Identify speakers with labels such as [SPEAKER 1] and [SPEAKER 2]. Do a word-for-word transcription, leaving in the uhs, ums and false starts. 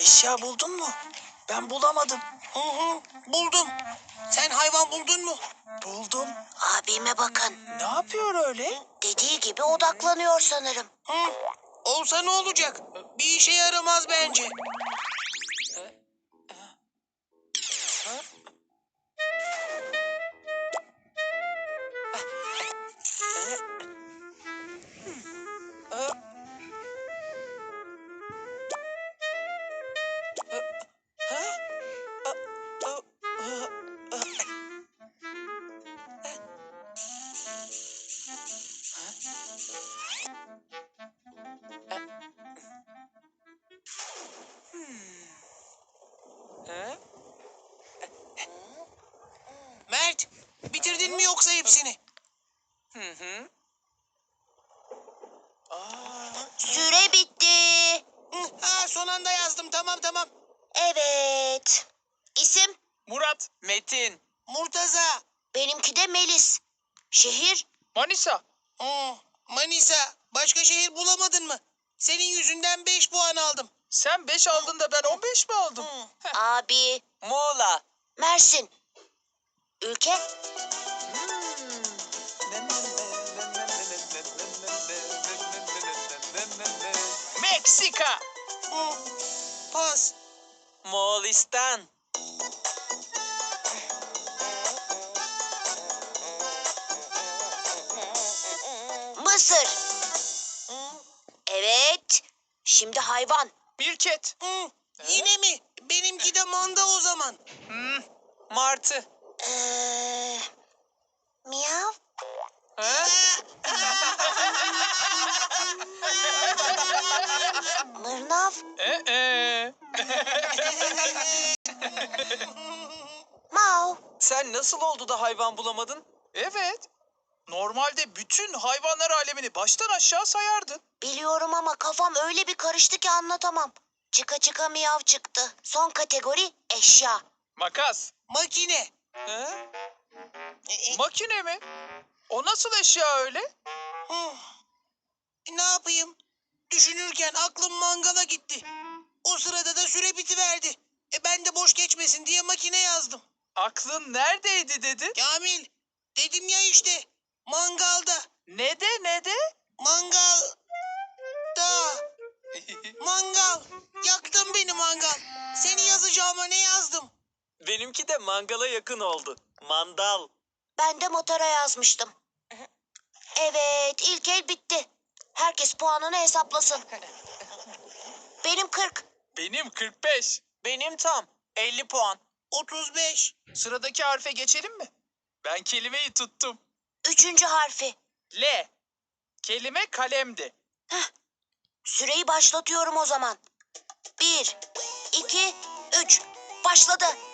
[SPEAKER 1] Eşya buldun mu? Ben bulamadım.
[SPEAKER 2] Hı hı, buldum. Sen hayvan buldun mu?
[SPEAKER 1] Buldum.
[SPEAKER 3] Abime bakın.
[SPEAKER 1] Ne yapıyor öyle?
[SPEAKER 3] Dediği gibi odaklanıyor sanırım.
[SPEAKER 2] Hı, olsa ne olacak? Bir işe yaramaz bence. Mert, bitirdin mi yoksa hepsini?
[SPEAKER 1] Hı hı.
[SPEAKER 3] Süre bitti.
[SPEAKER 2] Hı, ha, son anda yazdım. Tamam tamam.
[SPEAKER 3] Evet. İsim?
[SPEAKER 1] Murat, Metin,
[SPEAKER 2] Murtaza.
[SPEAKER 3] Benimki de Melis. Şehir?
[SPEAKER 1] Manisa.
[SPEAKER 2] Hı, Manisa. Başka şehir bulamadın mı? Senin yüzünden beş puan aldım.
[SPEAKER 1] Sen beş aldın da ben on beş mi aldım?
[SPEAKER 2] Hı.
[SPEAKER 3] Abi.
[SPEAKER 1] Muğla.
[SPEAKER 3] Mersin. Ülke?
[SPEAKER 1] Meksika.
[SPEAKER 2] Hı. Pas.
[SPEAKER 1] Moğolistan.
[SPEAKER 3] Mısır.
[SPEAKER 2] Hı.
[SPEAKER 3] Evet. Şimdi hayvan.
[SPEAKER 1] Mirket.
[SPEAKER 2] Hı. Yine mi? Benimki de manda o zaman.
[SPEAKER 1] Hmm. Martı.
[SPEAKER 3] Ee, miyav.
[SPEAKER 1] Ha?
[SPEAKER 3] Mırnav.
[SPEAKER 1] Ee.
[SPEAKER 3] Mav.
[SPEAKER 1] Sen nasıl oldu da hayvan bulamadın? Evet. Normalde bütün hayvanlar alemini baştan aşağı sayardın.
[SPEAKER 3] Biliyorum ama kafam öyle bir karıştı ki anlatamam. Çıka çıka miyav çıktı. Son kategori eşya.
[SPEAKER 1] Makas.
[SPEAKER 2] Makine.
[SPEAKER 1] He? Makine mi? O nasıl eşya öyle?
[SPEAKER 2] Hı. Ne yapayım? Düşünürken aklım mangala gitti. O sırada da süre bitiverdi. E ben de boş geçmesin diye makine yazdım.
[SPEAKER 1] Aklın neredeydi dedi?
[SPEAKER 2] Kamil, dedim ya işte. Mangalda.
[SPEAKER 1] Ne de ne de?
[SPEAKER 2] Mangal. Da. Mangal. Yaktın beni mangal. Seni yazacağıma ne yazdım?
[SPEAKER 1] Benimki de mangala yakın oldu. Mandal.
[SPEAKER 3] Ben de motora yazmıştım. Evet, ilk el bitti. Herkes puanını hesaplasın. Benim kırk.
[SPEAKER 1] Benim kırk beş. Benim tam elli puan.
[SPEAKER 2] otuz beş.
[SPEAKER 1] Sıradaki harfe geçelim mi? Ben kelimeyi tuttum.
[SPEAKER 3] Üçüncü harfi.
[SPEAKER 1] L. Kelime kalemdi.
[SPEAKER 3] Süreyi başlatıyorum o zaman. Bir, iki, üç. Başladı.